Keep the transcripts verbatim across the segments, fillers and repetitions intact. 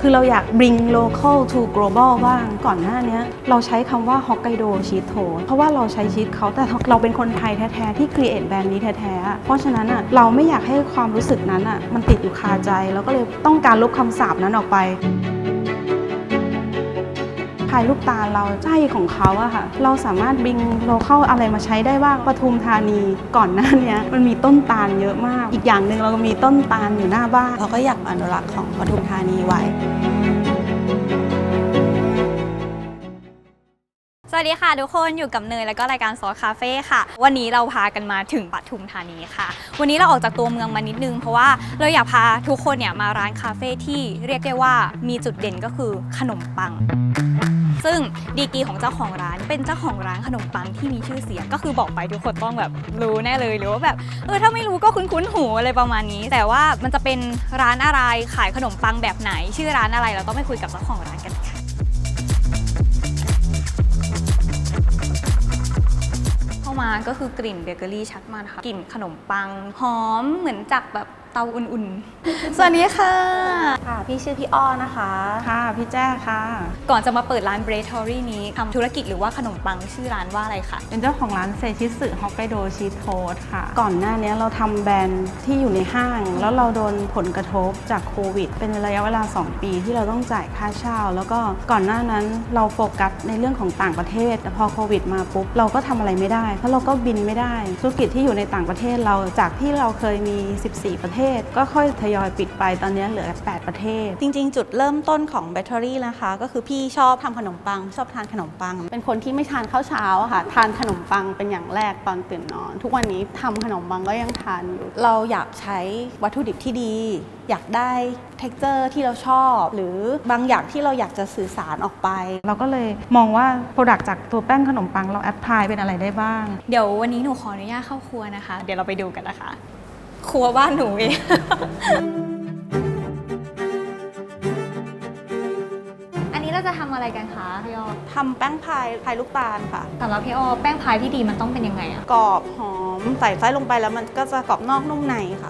คือเราอยาก bring local to global บ้างก่อนหน้านี้เราใช้คำว่า Hokkaido Cheese Toast เพราะว่าเราใช้ชีสเขาแต่เราเป็นคนไทยแท้ๆที่ create แบรนด์นี้แท้ๆเพราะฉะนั้นอ่ะเราไม่อยากให้ความรู้สึกนั้นอ่ะมันติดอยู่คาใจแล้วก็เลยต้องการลบคำสาปนั้นออกไปภายลูกตาเราใจของเขาอะค่ะเราสามารถบิงโลเคอลอะไรมาใช้ได้บ้างปทุมธานีก่อนหน้านี้มันมีต้นตาลเยอะมากอีกอย่างหนึ่งเราก็มีต้นตาลอยู่หน้าบ้านเราก็อยากอนุรักษ์ของปทุมธานีไว้สวัสดีค่ะทุกคนอยู่กับเนยแล้วก็รายการซอสคาเฟ่ค่ะวันนี้เราพากันมาถึงปทุมธานีค่ะวันนี้เราออกจากตัวเมืองมานิดนึงเพราะว่าเราอยากพาทุกคนเนี่ยมาร้านคาเฟ่ที่เรียกได้ว่ามีจุดเด่นก็คือขนมปังซึ่งดีกรีของเจ้าของร้านเป็นเจ้าของร้านขนมปังที่มีชื่อเสียงก็คือบอกไปทุกคนต้องแบบรู้แน่เลยหรือว่าแบบเออถ้าไม่รู้ก็คุ้นๆหูอะไรประมาณนี้แต่ว่ามันจะเป็นร้านอะไรขายขนมปังแบบไหนชื่อร้านอะไรเราต้องไปคุยกับเจ้าของร้านกันค่ะเข้ามาก็คือกลิ่นเบเกอรี่ชัดมากค่ะกลิ่นขนมปังหอมเหมือนจากแบบเตาอุ่นๆสวัสดีค่ะค่ะพี่ชื่อพี่อ้อนะคะค่ะพี่แจ้ค่ะก่อนจะมาเปิดร้านเบรทอรี่นี้ทำธุรกิจหรือว่าขนมปังชื่อร้านว่าอะไรคะเป็นเจ้าของร้านเซชิสึฮอกไกโดชีสโทสค่ะก่อนหน้านี้เราทำแบรนด์ที่อยู่ในห้างแล้วเราโดนผลกระทบจากโควิดเป็นระยะเวลาสองปีที่เราต้องจ่ายค่าเช่าแล้วก็ก่อนหน้านั้นเราโฟกัสในเรื่องของต่างประเทศแต่พอโควิดมาปุ๊บเราก็ทำอะไรไม่ได้เพราะเราก็บินไม่ได้ธุรกิจที่อยู่ในต่างประเทศเราจากที่เราเคยมีสิบสี่ประเทศก็ค่อยทยอยปิดไปตอนนี้เหลือแปดประเทศจริงๆจุดเริ่มต้นของแบตเตอรี่นะคะก็คือพี่ชอบทำขนมปังชอบทานขนมปังเป็นคนที่ไม่ทานข้าวเช้าอะค่ะทานขนมปังเป็นอย่างแรกตอนตื่นนอนทุกวันนี้ทำขนมปังก็ยังทานอยู่เราอยากใช้วัตถุดิบที่ดีอยากได้ texture ที่เราชอบหรือบางอย่างที่เราอยากจะสื่อสารออกไปเราก็เลยมองว่า product จากตัวแป้งขนมปังเราแอพพลายเป็นอะไรได้บ้างเดี๋ยววันนี้หนูขออนุญาตเข้าครัวนะคะเดี๋ยวเราไปดูกันนะคะครัวบ้านหนูเอง อันนี้เราจะทำอะไรกันคะพี่อ้อทำแป้งพายพายลูกตาลค่ะสำหรับพี่อ้อแป้งพายที่ดีมันต้องเป็นยังไงอะกรอบหอมใส่ไส้ลงไปแล้วมันก็จะกรอบนอกนุ่มในค่ะ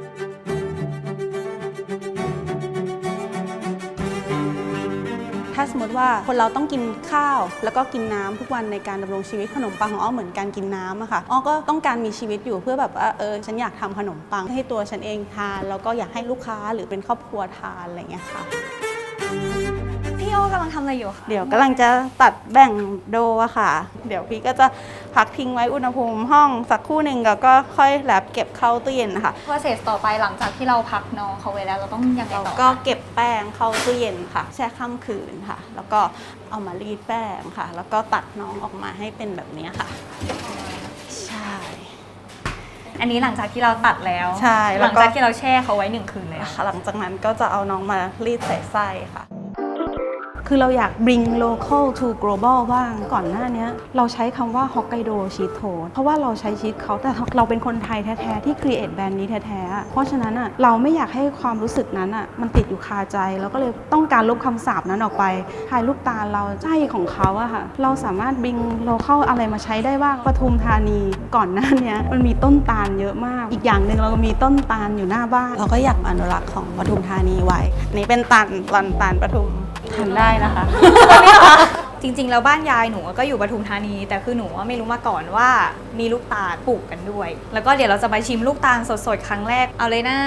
ถ้าสมมติว่าคนเราต้องกินข้าวแล้วก็กินน้ำทุกวันในการดำรงชีวิตขนมปังของอ้อเหมือนการกินน้ำอะค่ะอ้อก็ต้องการมีชีวิตอยู่เพื่อแบบว่าเออฉันอยากทำขนมปังให้ตัวฉันเองทานแล้วก็อยากให้ลูกค้าหรือเป็นครอบครัวทานอะไรอย่างเงี้ยค่ะพี่อ้อกำลังทำอะไรอยู่คะเดี๋ยวกำลังจะตัดแบ่งโดอะค่ะเดี๋ยวพี่ก็จะพักทิ้งไว้อุณหภูมิห้องสักครู่หนึ่งแล้วก็ค่อยแลบเก็บเข้าตู้เย็นค่ะ process ต่อไปหลังจากที่เราพักน้องเขาไว้แล้วเราต้องยังไงต่อก็เก็บแป้งเข้าตู้เย็นค่ะแช่ข้ามคืนค่ะแล้วก็เอามารีดแป้งค่ะแล้วก็ตัดน้องออกมาให้เป็นแบบนี้ค่ะใช่อันนี้หลังจากที่เราตัดแล้วใช่หลังจากที่เราแช่เขาไว้หนึ่งคืนเลยค่ะหลังจากนั้นก็จะเอาน้องมารีดใส่ไส้ค่ะคือเราอยาก bring local to global บ้างก่อนหน้านี้เราใช้คำว่า Hokkaido Cheese Toast เพราะว่าเราใช้ชีสเขาแต่เราเป็นคนไทยแท้ๆที่ create แบรนด์นี้แท้ๆเพราะฉะนั้นอ่ะเราไม่อยากให้ความรู้สึกนั้นอ่ะมันติดอยู่คาใจแล้วก็เลยต้องการลบคำสาปนั้นออกไปภายลูกตาเราใจของเขาอะค่ะเราสามารถ bring local อะไรมาใช้ได้บ้างปทุมธานีก่อนหน้านี้มันมีต้นตาลเยอะมากอีกอย่างหนึ่งเราก็มีต้นตาลอยู่หน้าบ้านเราก็อยากอนุรักษ์ของปทุมธานีไว้นี่เป็นตาลลอนตาลปทุมทานได้นะคะจริงๆแล้วบ้านยายหนูก็อยู่ปทุมธานีแต่คือหนูไม่รู้มาก่อนว่ามีลูกตาลปลูกกันด้วยแล้วก็เดี๋ยวเราจะไปชิมลูกตาลสดๆครั้งแรกเอาเลยนะ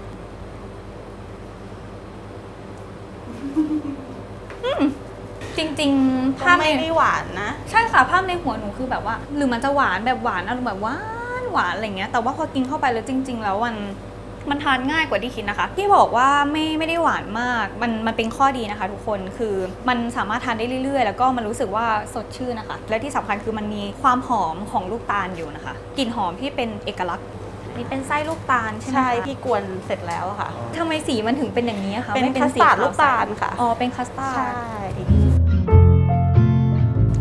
จริงๆภาพไม่ได้หวานนะใช่ค่ะภาพในหัวหนูคือแบบว่าหรือมันจะหวานแบบหวานอารมณ์แบบหวานหวานอะไรเงี้ยแต่ว่าพอกินเข้าไปแล้วจริง ๆ แล้วมันมันทานง่ายกว่าที่คิดนะคะที่บอกว่าไม่ไม่ได้หวานมากมันมันเป็นข้อดีนะคะทุกคนคือมันสามารถทานได้เรื่อยๆแล้วก็มันรู้สึกว่าสดชื่นนะคะและที่สำคัญคือมันมีความหอมของลูกตาลอยู่นะคะกลิ่นหอมที่เป็นเอกลักษณ์นี่เป็นไส้ลูกตาลใช่ไหมใช่พี่กวนเสร็จแล้วค่ะทำไมสีมันถึงเป็นอย่างนี้คะเป็นคัสตาร์ดลูกตาลค่ะอ๋อเป็นคัสตาร์ดใช่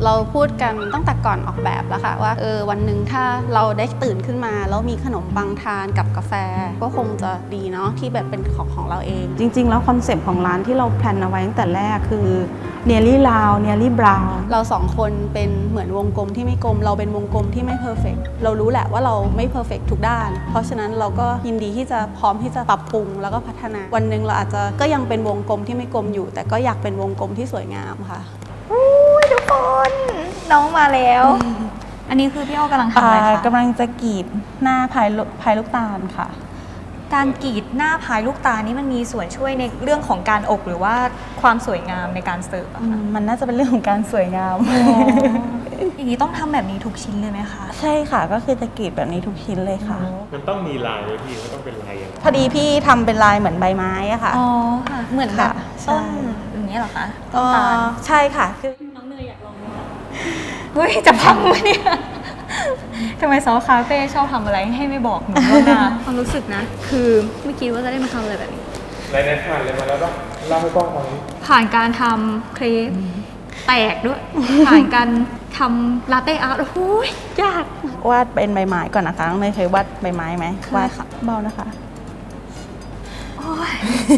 เราพูดกันตั้งแต่ก่อนออกแบบแล้วค่ะว่าเออวันหนึ่งถ้าเราได้ตื่นขึ้นมาแล้วมีขนมปังทานกับกาแฟก็คงจะดีเนาะที่แบบเป็นของของเราเองจริงๆแล้วคอนเซปต์ของร้านที่เราแพลนเอาไว้ตั้งแต่แรกคือ nearly round nearly brown เราสองคนเป็นเหมือนวงกลมที่ไม่กลมเราเป็นวงกลมที่ไม่เพอร์เฟกต์เรารู้แหละว่าเราไม่เพอร์เฟกต์ทุกด้านเพราะฉะนั้นเราก็ยินดีที่จะพร้อมที่จะปรับปรุงแล้วก็พัฒนาวันหนึ่งเราอาจจะก็ยังเป็นวงกลมที่ไม่กลมอยู่แต่ก็อยากเป็นวงกลมที่สวยงามค่ะอุ้ยทุกคนน้องมาแล้ว อันนี้คือพี่อ้อกำลังทำอะไรคะกำลังจะกรีดหน้าพายพายลูกตาลค่ะการกรีดหน้าพายลูกตานี่มันมีส่วนช่วยในเรื่องของการอบหรือว่าความสวยงามในการเสิร์ฟอะคะมันน่าจะเป็นเรื่องของการสวยงามอย่างนี้ต้องทำแบบนี้ทุกชิ้นเลยไหมคะใช่ค่ะก็คือจะกรีดแบบนี้ทุกชิ้นเลยค่ะมันต้องมีลายเลยพี่มันต้องเป็นลายอย่างพอดีพี่ทำเป็นลายเหมือนใบไม้อะค่ะอ๋อค่ะเหมือนแบบต้นอย่างนี้เหรอคะต้นตาลใช่ค่ะคือน้องเนยอยากลองไหมคะเฮ้ยจะพังไหมเนี่ยทำไมซอคาเฟ่ชอบทำอะไรให้ไม่บอกหนูล่วงหน้าความรู้สึกนะคือไม่คิดว่าจะได้มาทำอะไรแบบนี้รายนั้นผ่านเลยมาแล้วต้องเล่าให้กล้องฟังผ่านการทำเครปแตกด้วยผ่านการทำลาเต้อาร์ตโอ้โหยากวาดเป็นใบไม้ก่อนนะคะน้องเนยเคยวาดใบไม้ไหมวาดค่ะเบานะคะโอ้ย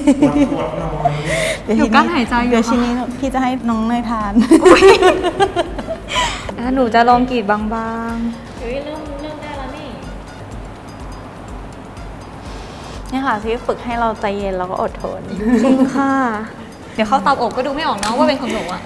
เดี๋ยวกั้นหายใจอยู่เดี๋ยวชิ้นนี้พี่จะให้น้องเนยทานหนูจะลองกรีดบางๆเฮ้ยเริ่มเริ่มได้แล้วนี่นี่ค่ะที่ฝึกให้เราใจเย็นแล้วก็อดทนจริงค่ะเดี๋ยวเข้าเตาอบก็ดูไม่ออกเนาะว่าเป็นของหนูอะ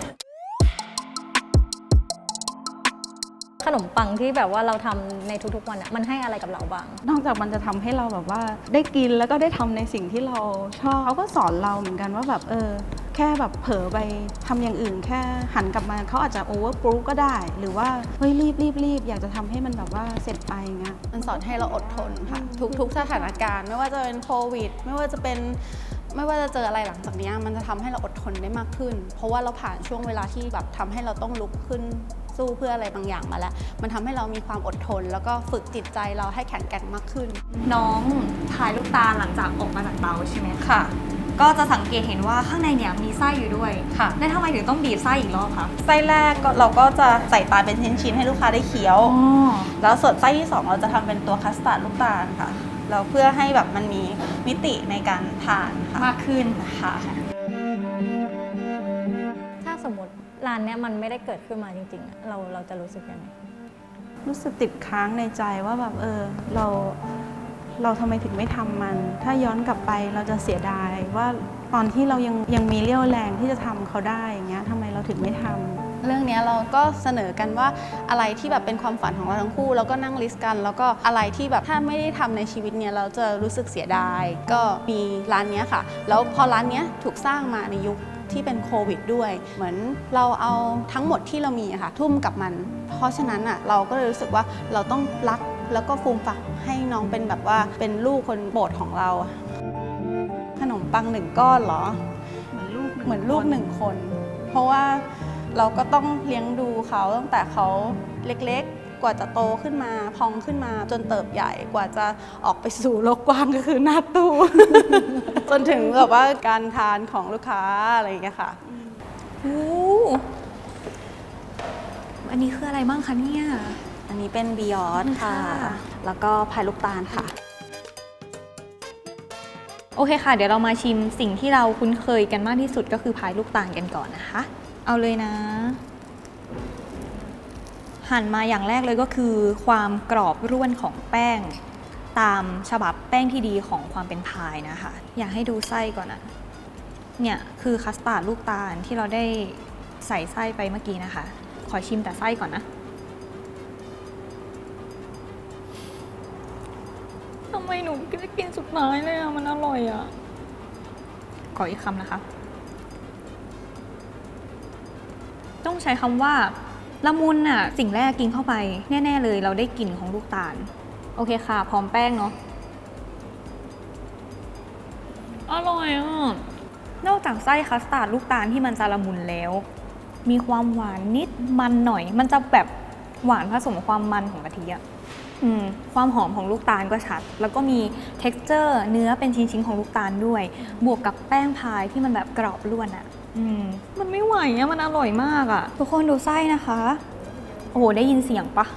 ขนมปังที่แบบว่าเราทำในทุกๆวันมันให้อะไรกับเราบ้างนอกจากมันจะทำให้เราแบบว่าได้กินแล้วก็ได้ทำในสิ่งที่เราชอบเขาก็สอนเราเหมือนกันว่าแบบเออแค่แบบเผลอไปทำอย่างอื่นแค่หันกลับมาเขาอาจจะโอเวอร์ปรูก็ได้หรือว่าเฮ้ยรีบรีบรีบอยากจะทำให้มันแบบว่าเสร็จไปเงี้ยมันสอนให้เราอดทนค่ะทุกๆสถานการณ์ไม่ว่าจะเป็นโควิดไม่ว่าจะเป็นไม่ว่าจะเจออะไรหลังจากนี้มันจะทำให้เราอดทนได้มากขึ้นเพราะว่าเราผ่านช่วงเวลาที่แบบทำให้เราต้องลุกขึ้นสู้เพื่ออะไรบางอย่างมาแล้วมันทำให้เรามีความอดทนแล้วก็ฝึกจิตใจเราให้แข็งแกร่งมากขึ้นน้องพายลูกตาลหลังจากออกมาจากเตาใช่ไหมค่ะก็จะสังเกตเห็นว่าข้างในเนี่ยมีไส้อยู่ด้วยค่ะแล้วทำไมถึงต้องบีบไส้อีกรอบคะไส้แรกเราก็จะใส่ตาลเป็นชิ้นๆให้ลูกค้าได้เคี้ยวแล้วส่วนไส้ที่สองเราจะทำเป็นตัวคัสตาร์ดลูกตาลค่ะแล้วเพื่อให้แบบมันมีมิติในการทานมากขึ้นค่ะถ้าสมมติร้านเนี้ยมันไม่ได้เกิดขึ้นมาจริงๆเราเราจะรู้สึกยังไงรู้สึกติดค้างในใจว่าแบบเออเราเราทำไมถึงไม่ทำมันถ้าย้อนกลับไปเราจะเสียดายว่าตอนที่เรายังยังมีเรี่ยวแรงที่จะทำเขาได้อย่างเงี้ยทำไมเราถึงไม่ทำเรื่องนี้เราก็เสนอกันว่าอะไรที่แบบเป็นความฝันของเราทั้งคู่แล้วก็นั่งลิสต์กันแล้วก็อะไรที่แบบถ้าไม่ได้ทำในชีวิตเนี้ยเราจะรู้สึกเสียดายก็มีร้านนี้ค่ะแล้วพอร้านนี้ถูกสร้างมาในยุคที่เป็นโควิดด้วยเหมือนเราเอาทั้งหมดที่เรามีอะค่ะทุ่มกับมันเพราะฉะนั้นอะเราก็เลยรู้สึกว่าเราต้องรักแล้วก็ฟูมฝักให้น้องเป็นแบบว่าเป็นลูกคนโปรดของเราขนมปังหนึ่งก้อนเหรอเหมือนลูกเหมือนลูกหนึ่งคนเพราะว่าเราก็ต้องเลี้ยงดูเขาตั้งแต่เขาเล็กๆกว่าจะโตขึ้นมาพองขึ้นมาจนเติบใหญ่กว่าจะออกไปสู่โลกกว้างก็คือหน้าตู้ จนถึงแบบว่าการทานของลูกค้าอะไรอย่างเงี้ยค่ะโอ้อันนี้คืออะไรบ้างคะเนี่ยอันนี้เป็นบิยอนค่ะแล้วก็พายลูกตาลค่ะโอเคค่ะเดี๋ยวเรามาชิมสิ่งที่เราคุ้นเคยกันมากที่สุดก็คือพายลูกตาลกันก่อนนะคะเอาเลยนะหั่นมาอย่างแรกเลยก็คือความกรอบร่วนของแป้งตามฉบับแป้งที่ดีของความเป็นพายนะคะอยากให้ดูไส้ก่อนนะเนี่ยคือคัสตาร์ดลูกตาลที่เราได้ใส่ไส้ไปเมื่อกี้นะคะขอชิมแต่ไส้ก่อนนะทำไมหนูไม่กินสุดท้ายเลยอะมันอร่อยอะขออีกคำนะคะต้องใช้คำว่าละมุนอะสิ่งแรกกินเข้าไปแน่ๆเลยเราได้กลิ่นของลูกตาลโอเคค่ะพร้อมแป้งเนาะอร่อยอ่ะนอกจากไส้คัสตาร์ดลูกตาลที่มันจะละมุนแล้วมีความหวานนิดมันหน่อยมันจะแบบหวานผสมความมันของกะทิอะอืมความหอมของลูกตาลก็ชัดแล้วก็มี texture เนื้อเป็นชิ้นๆของลูกตาลด้วยบวกกับแป้งพายที่มันแบบกรอบล้วนอะอืมมันไม่ไหวอะมันอร่อยมากอะทุกคนดูไส้นะคะ โอ้โหได้ยินเสียงปะ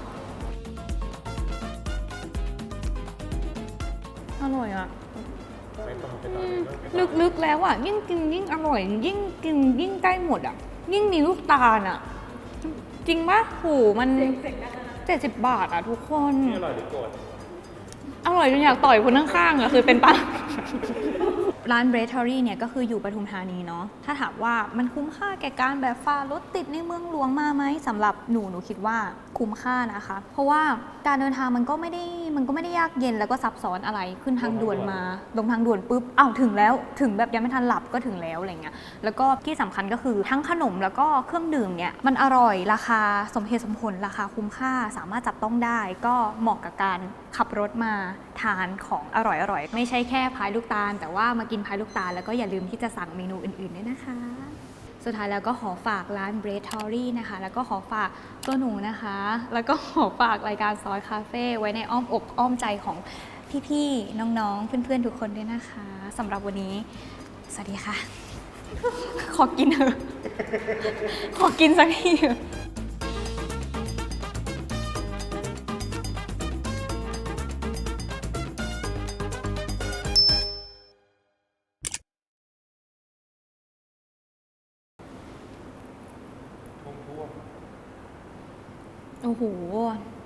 อร่อยอะไปต่อไปต่อลึกๆแล้วอะยิ่งกินยิ่งอร่อย ยิ่งกินยิ่งใกล้หมดอะยิ่งมีลูกตาลอะจริงปะโหมันเจ็ดสิบบาทอะทุกคนนี่อร่อยหรือโกรธอร่อยจนอยากต่อยคนข้างๆอะคือเป็นปะ ร้าน Breadery เนี่ยก็คืออยู่ปทุมธานีเนาะ ถ้าถามว่ามันคุ้มค่าแก่การแบบฝ่ารถติดในเมืองหลวงมาไหมสำหรับหนูหนูคิดว่าคุ้มค่านะคะ เพราะว่าการเดินทางมันก็ไม่ได้มันก็ไม่ได้ยากเย็นแล้วก็ซับซ้อนอะไรขึ้นทางด่วนมาลงทางด่วนปุ๊บอ้าวถึงแล้วถึงแบบยังไม่ทันหลับก็ถึงแล้วอะไรเงี้ยแล้วก็ที่สำคัญก็คือทั้งขนมแล้วก็เครื่องดื่มเนี่ยมันอร่อยราคาสมเหตุสมผลราคาคุ้มค่าสามารถจับต้องได้ ก็เหมาะกับการขับรถมาทานของอร่อยๆไม่ใช่แค่พายลูกตาลแต่ว่ามากินพายลูกตาลแล้วก็อย่าลืมที่จะสั่งเมนูอื่นๆด้วยนะคะ สุดท้ายแล้วก็ขอฝากร้าน Breadery นะคะ แล้วก็ขอฝากตัวหนูนะคะ แล้วก็ขอฝากรายการซอยคาเฟ่ไว้ในอ้อมอกอ้อมใจของพี่ๆ น้องๆ เพื่อนๆ ทุกคนด้วยนะคะสำหรับวันนี้ สวัสดีค่ะ ขอกินเถอะ ขอกินสักทีเถอะโอ้โห